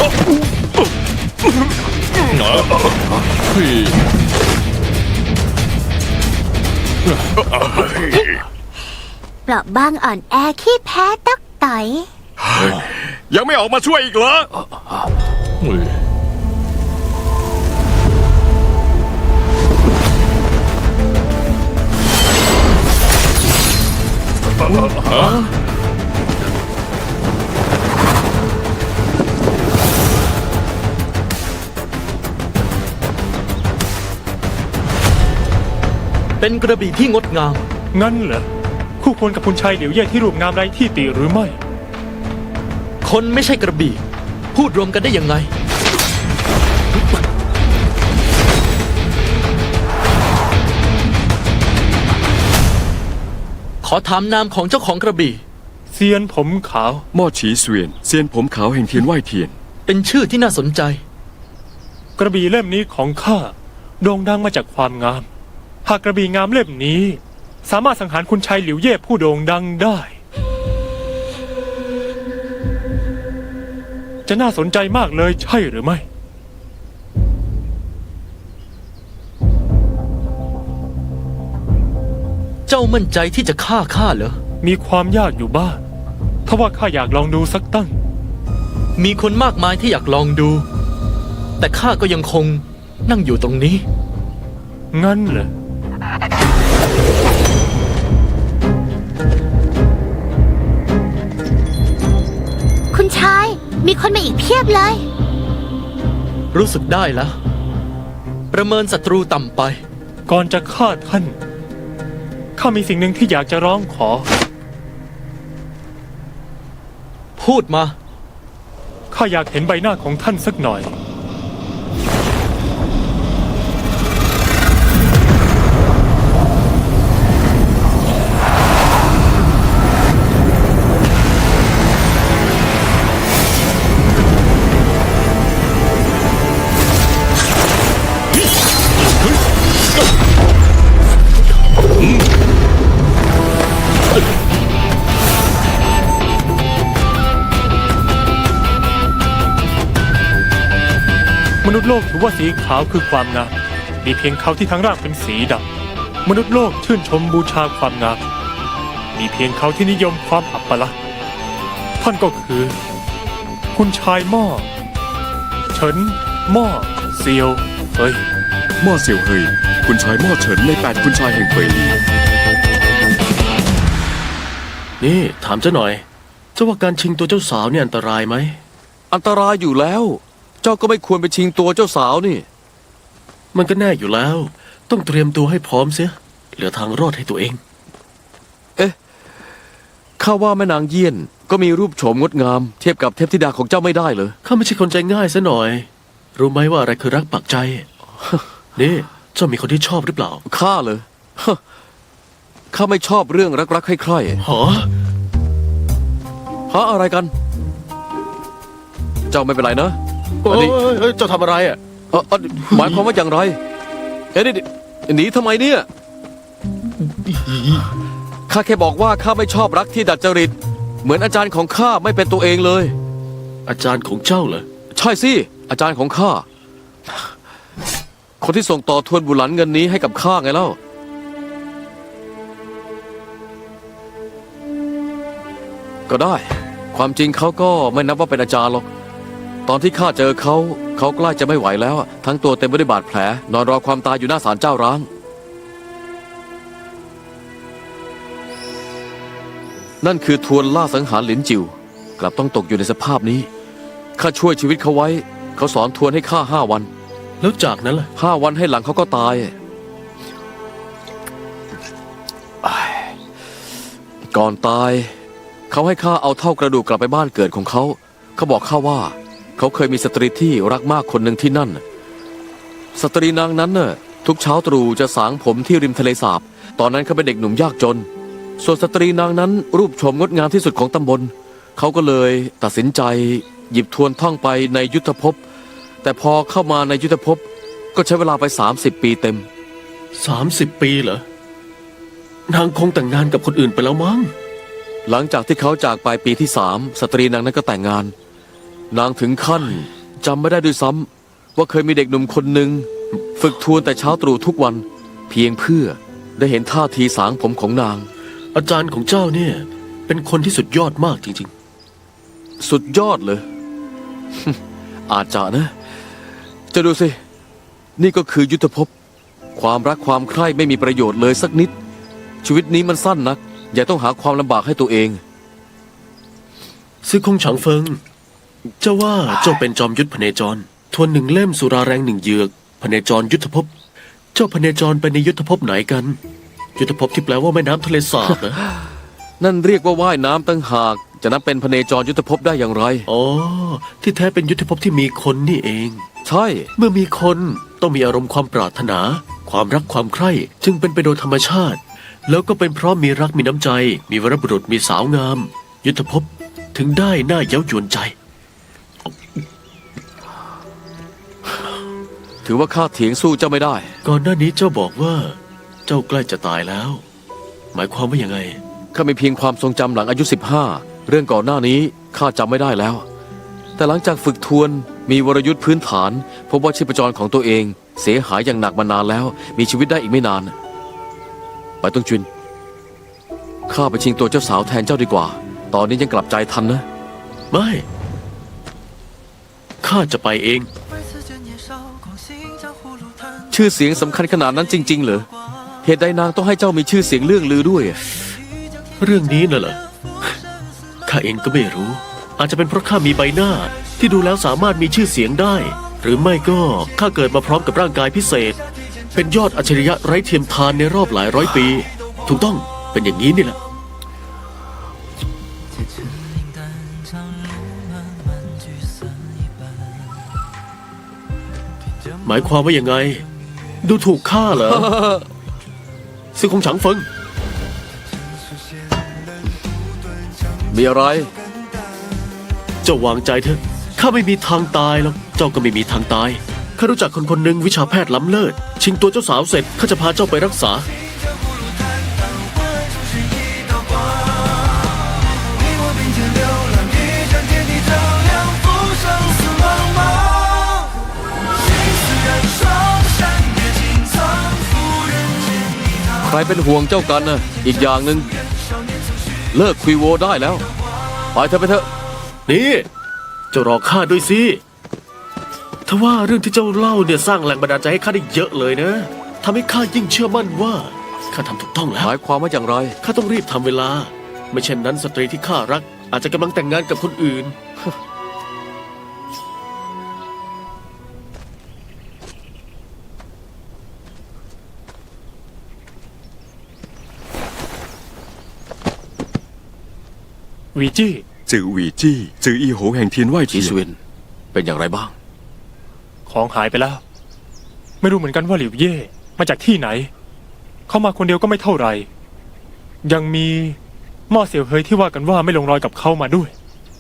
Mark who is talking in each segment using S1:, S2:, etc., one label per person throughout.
S1: เปราะบางอ่อนแอขี้แพ้ตักต่อย
S2: ยังไม่ออกมาช่วยอีกเหรอ
S3: เป็นกระบี่ที่งดงาม
S4: งั้นเหรอคู่ควรกับคุณชายเหลียวเย่ที่รูปงามไร้ที่ติหรือไม่
S3: คนไม่ใช่กระบี่พูดรวมกันได้ยังไงขอถามนามของเจ้าของกระบี่
S4: เซียนผมขาว
S2: ม่อฉีเสวียนเซียนผมขาวแห่งเทียนไหวเทียน
S3: เป็นชื่อที่น่าสนใจ
S4: กระบี่เล่มนี้ของข้าโด่งดังมาจากความงามหากกระบี่งามเล่มนี้สามารถสังหารคุณชายเหลียวเย่ผู้โด่งดังได้จะน่าสนใจมากเลยใช่หรือไม่
S3: เจ้ามั่นใจที่จะฆ่าข้าเหรอ
S4: มีความยากอยู่บ้างถ้าว่าข้าอยากลองดูสักตั้ง
S3: มีคนมากมายที่อยากลองดูแต่ข้าก็ยังคงนั่งอยู่ตรงนี้
S4: งั้นเหรอ
S1: คุณชายมีคนมาอีกเพียบเลย
S3: รู้สึกได้แล้วประเมินศัตรูต่ำไป
S4: ก่อนจะฆ่าท่านข้ามีสิ่งหนึ่งที่อยากจะร้องขอ
S3: พูดมา
S4: ข้าอยากเห็นใบหน้าของท่านสักหน่อยมนุษย์โลกถือว่าสีขาวคือความงามมีเพียงเขาที่ทั้งร่างเป็นสีดำมนุษย์โลกชื่นชมบูชาความงามมีเพียงเขาที่นิยมความอัปลักษณ์ท่านก็คือคุณชายหม้อเฉินหม้อเซียวเฮ้ย
S2: หม้อเซียวเฮยคุณชายหม้อเฉินใน8คุณชายแห่งเป่ยลี
S3: นี่ถามเจ้าหน่อยเจ้าว่าการชิงตัวเจ้าสาวเนี่ยอันตรายไหม
S5: อันตรายอยู่แล้วเจ้าก็ไม่ควรไปชิงตัวเจ้าสาวนี่
S3: มันก็แน่อยู่แล้วต้องเตรียมตัวให้พร้อมเสียเหลือทางรอดให้ตัวเอง
S5: ข้าว่าแม่นางเยี่ยนก็มีรูปโฉมงดงามเทียบกับเทพธิดาของเจ้าไม่ได้เลย
S3: ข้าไม่ใช่คนใจง่ายซะหน่อยรู้ไหมว่าอะไรคือรักปักใจนี่เจ้ามีคนที่ชอบหรือเปล่า
S5: ข้าเลยข้าไม่ชอบเรื่องรักๆใคร่
S3: ๆ
S5: หาอะไรกันเจ้าไม่เป็นไรนะ
S3: อันนี้เจ้าทำอะไรอ่ะ
S5: หมายความว่าอย่างไรนี่หนีทำไมเนี่ยข้าแค่บอกว่าข้าไม่ชอบรักที่ดัดจริตเหมือนอาจารย์ของข้าไม่เป็นตัวเองเลย
S3: อาจารย์ของเจ้าเหรอ
S5: ใช่สิอาจารย์ของข้าคนที่ส่งต่อทวนบุหลันเงินนี้ให้กับข้าไงเล่าก็ได้ความจริงเขาก็ไม่นับว่าเป็นอาจารย์หรอกตอนที่ข้าเจอเขาใกล้จะไม่ไหวแล้วทั้งตัวเต็มไปด้วยบาดแผลนอนรอความตายอยู่หน้าศาลเจ้าร้างนั่นคือทวนล่าสังหารหลินจิวกลับต้องตกอยู่ในสภาพนี้ข้าช่วยชีวิตเขาไว้เขาสอนทวนให้ข้า5 วัน
S3: แล้วจากนั้นล่ะ
S5: 5 วันให้หลังเขาก็ตายก่อนตายเขาให้ข้าเอาเท่ากระดูกกลับไปบ้านเกิดของเขาเขาบอกข้าว่าเขาเคยมีสตรีที่รักมากคนหนึ่งที่นั่นสตรีนางนั้นน่ะทุกเช้าตรู่จะสางผมที่ริมทะเลสาบตอนนั้นเขาเป็นเด็กหนุ่มยากจนส่วนสตรีนางนั้นรูปโฉมงดงามที่สุดของตำบลเขาก็เลยตัดสินใจหยิบทวนท่องไปในยุทธภพแต่พอเข้ามาในยุทธภพก็ใช้เวลาไป30 ปีเต็ม
S3: 30 ปีเหรอนางคงแต่งงานกับคนอื่นไปแล้วมั้ง
S5: หลังจากที่เขาจากไปปีที่3สตรีนางนั้นก็แต่งงานนางถึงขั้นจำไม่ได้ด้วยซ้ำว่าเคยมีเด็กหนุ่มคนหนึ่งฝึกทวนแต่เช้าตรู่ทุกวัน เพียงเพื่อได้เห็นท่าทีสางผมของนาง
S3: อาจารย์ของเจ้าเนี่ย เป็นคนที่สุดยอดมากจริง
S5: สุดยอดเลย อาจจะนะ จะดูสิ นี่ก็คือยุทธภพ ความรักความใคร่ไม่มีประโยชน์เลยสักนิด ชีวิตนี้มันสั้นนัก อย่าต้องหาความลำบากให้ตัวเอง
S3: ๆซื้อคงฉางเฟิง เจ้าว่าเจ้าเป็นจอมยุทธพเนจร ทวนหนึ่งเล่มสุราแรงหนึ่งเหยือกพเนจรยุทธภพ เจ้าพเนจรไปในยุทธภพไหนกัน ยุทธภพที่แปลว่าแม่น้ำทะเลสาบนะ
S5: นั่นเรียกว่าว่ายน้ำตั้งหาก จะนับเป็นพเนจรยุทธภพได้อย่างไร
S3: อ๋อ ที่แท้เป็นยุทธภพที่มีคนนี่เอง
S5: ใช่
S3: เมื่อมีคนต้องมีอารมณ์ความปรารถนา ความรักความใคร่ จึงเป็นไปโดยธรรมชาติ แล้วก็เป็นเพราะมีรักมีน้ำใจ มีวรบุรุษมีสาวงาม ยุทธภพถึงได้น่าเย้ายวนใจ
S5: ถือว่าข้าเถียงสู้เจ้าไม่ได้
S3: ก่อนหน้านี้เจ้าบอกว่า เจ้าใกล้จะตายแล้ว หมายความว่ายังไง
S5: ข้ามีเพียงความทรงจำหลังอายุ 15 เรื่องก่อนหน้านี้ข้าจำไม่ได้แล้ว แต่หลังจากฝึกทวนมีวรยุทธ์พื้นฐานพบว่าชีพจรของตัวเองเสียหายอย่างหนักมานานแล้ว มีชีวิตได้อีกไม่นาน ไปต้องจุนข้าไปชิงตัวเจ้าสาวแทนเจ้าดีกว่า ตอนนี้ยังกลับใจทันนะ
S3: ไม่ ข้าจะไปเอง
S5: ชื่อเสียงสำคัญขนาดนั้นจริง ๆ เหรอ เหตุใดนางต้องให้เจ้ามีชื่อเสียงเรื่องลือด้วย
S3: เรื่องนี้น่ะเหรอ ข้าเองก็ไม่รู้ อาจจะเป็นเพราะข้ามีใบหน้า ที่ดูแล้วสามารถมีชื่อเสียงได้ หรือไม่ก็ข้าเกิดมาพร้อมกับร่างกายพิเศษ เป็นยอดอัจฉริยะไร้เทียมทานในรอบหลายร้อยปี ถูกต้องเป็นอย่างนี้นี่แหละ หมายความว่ายังไง ดูถูกข้าเหรอ ซื้อคงฉังเฟิง
S5: มีอะไร
S3: เจ้าวางใจเถอะข้าไม่มีทางตายหรอกเจ้าก็ไม่มีทางตายข้ารู้จักคนคนหนึ่งวิชาแพทย์ล้ำเลิศชิงตัวเจ้าสาวเสร็จข้าจะพาเจ้าไปรักษา
S5: ใครเป็นห่วงเจ้ากันนะอีกอย่างหนึ่งเลิกคุยโวได้แล้ว ไปเถอะไปเถอะ
S3: นี่เจ้ารอข้าด้วยสิถ้าว่าเรื่องที่เจ้าเล่าเนี่ยสร้างแรงบันดาลใจให้ข้าได้เยอะเลยนะทำให้ข้ายิ่งเชื่อมั่นว่าข้าทำถูกต้องแล้
S5: ห
S3: ว
S5: มายความว่าอย่างไร
S3: ข้าต้องรีบทำเวลา ไม่เช่นนั้นสตรีที่ข้ารัก อาจจะกำลังแต่งงานกับคนอื่น
S4: วีจี้
S2: จือหวีจี้ จืออีโหแห่งเทียนไหว
S5: จี
S2: เทีย
S5: ส
S2: น
S5: วิน เป็นอย่างไรบ้าง
S4: ของหายไปแล้ว ไม่รู้เหมือนกันว่าหลิวเย่มาจากที่ไหน เขามาคนเดียวก็ไม่เท่าไหร่ยังมีหม้อเสี่ยวเฮยที่ว่ากันว่าไม่ลงรอยกับเขามาด้วย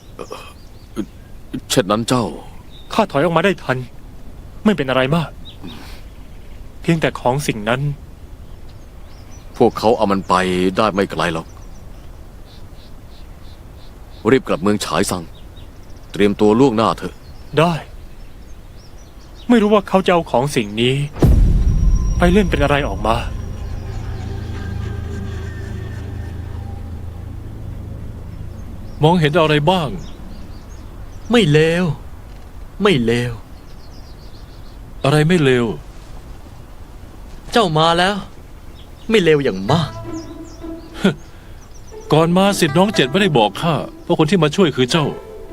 S5: เช่นนั้นเจ้า
S4: ข้าถอยออกมาได้ทัน ไม่เป็นอะไรมาก เพียงแต่ของสิ่งนั้น
S5: พวกเขาเอามันไปได้ไม่ไกลหรอก รีบกลับเมืองฉายซัง เตรียมตัวล่วงหน้าเถอะ
S4: ได้ ไม่รู้ว่าเขาจะเอาของสิ่งนี้ ไปเล่นเป็นอะไรออกมา
S6: มองเห็นอะไรบ้าง
S3: ไม่เลวไม่เลว
S6: อะไรไม่เลว
S3: เจ้ามาแล้ว ไม่เลวอย่างมาก
S6: ก่อนมาสิทธิ์น้องเจ็ดไม่ได้บอกข้าว่าคนที่มาช่วยคือเจ้า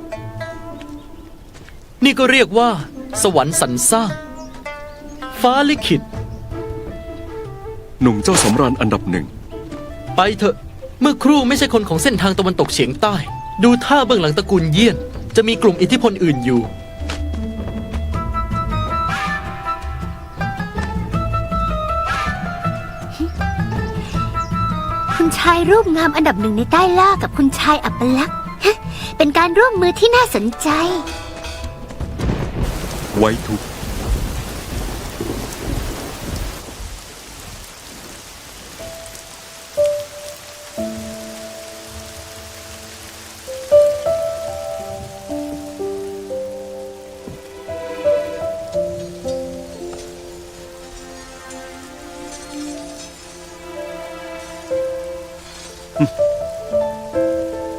S7: นี่ก็เรียกว่า สวรรค์สรรสร้าง ฟ้าลิขิต
S2: หนุ่มเจ้าสำราญอันดับหนึ่ง
S7: ไปเถอะ เมื่อครู่ไม่ใช่คนของเส้นทางตะวันตกเฉียงใต้ ดูท่าเบื้องหลังตระกูลเยี่ยน จะมีกลุ่มอิทธิพลอื่นอยู่
S1: คุณชายรูปงามอันดับหนึ่งในใต้ล่ากับคุณชายอัปลักษณ์ฮะเป็นการร่วมมือที่น่าสนใจ
S2: ไว้ทุกข์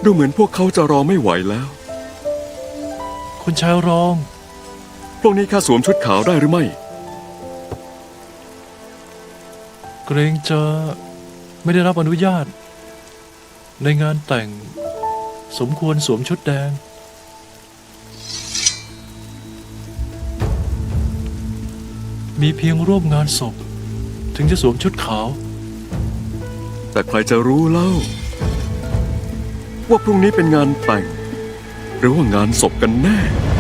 S2: ดูเหมือนพวกเขาจะรอไม่ไหวแล้ว
S6: คุณชายรอง
S2: พวกนี้ข้าสวมชุดขาวได้หรือไม่
S6: เกรงจะไม่ได้รับอนุญาต ในงานแต่งสมควรสวมชุดแดง มีเพียงร่วมงานศพ ถึงจะสวมชุดขาว
S2: แต่ใครจะรู้เล่า ว่าพรุ่งนี้เป็นงานแต่ง หรือว่างานศพกันแน่